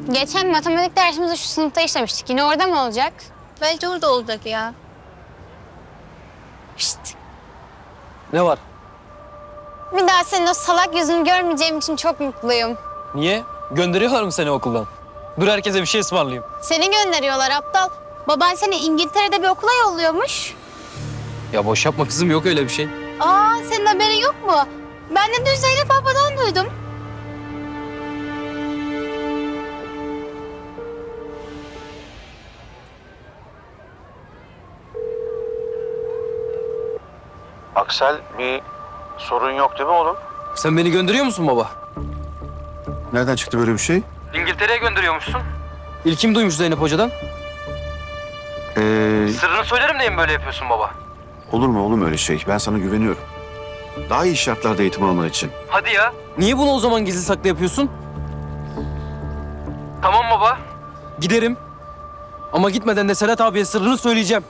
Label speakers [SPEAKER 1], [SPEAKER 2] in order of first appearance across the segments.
[SPEAKER 1] Geçen matematik dersimizde şu sınıfta işlemiştik. Yine orada mı olacak?
[SPEAKER 2] Bence orada olacak ya.
[SPEAKER 1] Şşt.
[SPEAKER 3] Ne var?
[SPEAKER 1] Bir daha senin o salak yüzünü görmeyeceğim için çok mutluyum.
[SPEAKER 3] Niye? Gönderiyorlar mı seni okuldan? Dur herkese bir şey ısmarlayayım.
[SPEAKER 1] Seni gönderiyorlar aptal. Baban seni İngiltere'de bir okula yolluyormuş.
[SPEAKER 3] Ya boş yapma kızım, yok öyle bir şey.
[SPEAKER 1] Aa, senin haberin yok mu? Ben de dün Zeynep abladan duydum.
[SPEAKER 4] Aksel, bir sorun yok değil mi oğlum?
[SPEAKER 3] Sen beni gönderiyor musun baba?
[SPEAKER 4] Nereden çıktı böyle bir şey?
[SPEAKER 3] İngiltere'ye gönderiyormuşsun. İlkim duymuş Zeynep Hoca'dan. Sırrını söylerim diye mi böyle yapıyorsun baba?
[SPEAKER 4] Olur mu oğlum öyle şey? Ben sana güveniyorum. Daha iyi şartlarda eğitim alman için.
[SPEAKER 3] Hadi ya. Niye bunu o zaman gizli saklı yapıyorsun? Tamam baba. Giderim. Ama gitmeden de Serhat abiye sırrını söyleyeceğim.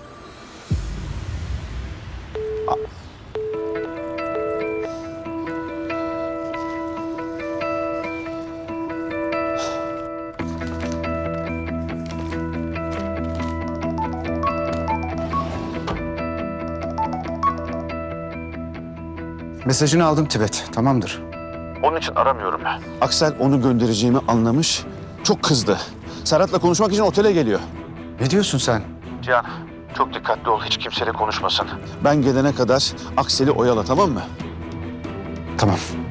[SPEAKER 5] Mesajını aldım Tibet, tamamdır.
[SPEAKER 4] Onun için aramıyorum ben. Aksel onu göndereceğimi anlamış. Çok kızdı. Serhat'la konuşmak için otele geliyor.
[SPEAKER 5] Ne diyorsun sen?
[SPEAKER 4] Cihan, çok dikkatli ol. Hiç kimseyle konuşmasın. Ben gelene kadar Aksel'i oyala, tamam mı?
[SPEAKER 5] Tamam.